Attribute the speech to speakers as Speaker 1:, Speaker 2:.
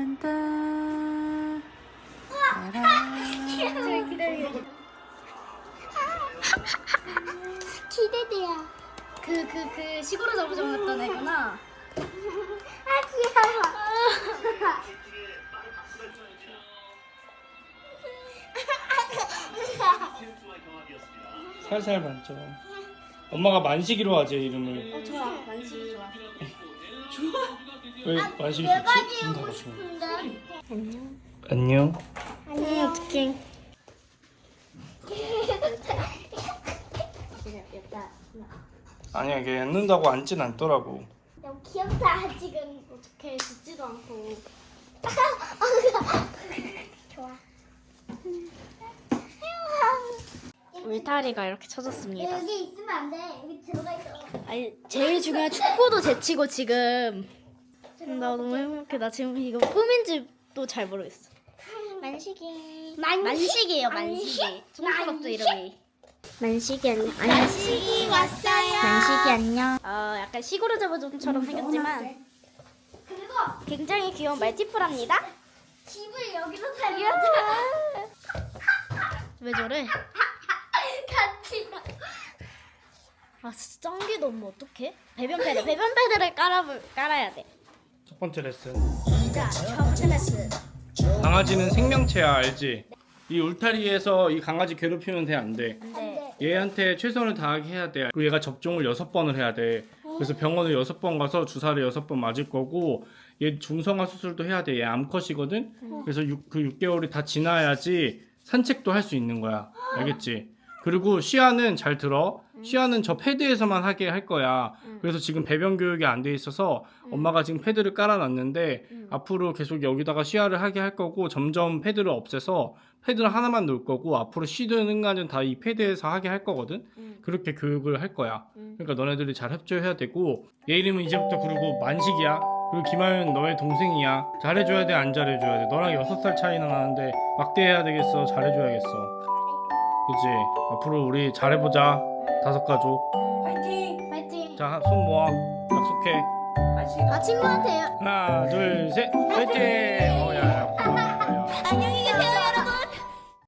Speaker 1: 딴딴.
Speaker 2: 기다려. 기대돼요. 그 시골에 잡아줬던 애구나. 아 귀여워.
Speaker 1: 살살 만져. 엄마가 만식이로 하지 이름을.
Speaker 2: 좋아. 만식이 좋아.
Speaker 1: 왜 만식이
Speaker 2: 내가
Speaker 1: 좋지?
Speaker 2: 지우고 싶은데. 안녕.
Speaker 1: 안녕.
Speaker 2: 안녕. 어떡해.
Speaker 1: 아니야, 걔 앉는다고 앉진 않더라고.
Speaker 2: 너무 귀엽다. 아직은 어떻게 듣지도 않고. 좋아. 울타리가 이렇게 쳐졌습니다. 여기 있으면 안 돼. 여기 들어가 있어. 아니 제일 중요한 축구도 제치고 지금. 나 너무 행복해. 나 지금 이거 꿈인지도 잘 모르겠어. 만식이. 만식이에요. 만식이. 중국어도 이름이. 만식이 안녕. 만식이 왔어요. 만식이 안녕. 약간 시골의 잡아좀처럼 생겼지만 그리고 굉장히 귀여운 말티푸랍니다. 집을 여기로 살려. 왜 저래? 같이 가. 아 진짜 짱기 너무 어떡해? 배변 패드를 깔아야 돼.
Speaker 1: 첫 번째 레슨.
Speaker 2: 자, 첫 번째 레슨.
Speaker 1: 강아지는 생명체야, 알지? 이 울타리에서 이 강아지 괴롭히면 돼, 안 돼?
Speaker 2: 네.
Speaker 1: 얘한테 최선을 다하게 해야 돼. 그리고 얘가 접종을 6번을 해야 돼. 그래서 병원을 6번 가서 주사를 6번 맞을 거고, 얘 중성화 수술도 해야 돼. 얘 암컷이거든? 그래서 그 6개월이 다 지나야지 산책도 할 수 있는 거야. 알겠지? 그리고 시야는 잘 들어. 시야는 저 패드에서만 하게 할 거야. 그래서 지금 배변 교육이 안 돼 있어서 엄마가 지금 패드를 깔아놨는데 앞으로 계속 여기다가 시야를 하게 할 거고 점점 패드를 없애서 패드를 하나만 놓을 거고 앞으로 쉬는 순간은 다 이 패드에서 하게 할 거거든. 그렇게 교육을 할 거야. 그러니까 너네들이 잘 협조해야 되고 얘 이름은 이제부터 그리고 만식이야. 그리고 김하윤 너의 동생이야. 잘해줘야 돼, 안 잘해줘야 돼? 너랑 6살 차이나 나는데 막대해야 되겠어, 잘해줘야겠어. 그치? 앞으로 우리 잘해보자. 5가족.
Speaker 3: 파이팅!
Speaker 2: 파이팅.
Speaker 1: 자, 손 모아. 약속해.
Speaker 3: 맛있게
Speaker 2: 친구한테요.
Speaker 1: 하나, 둘, 셋. 화이팅! 야.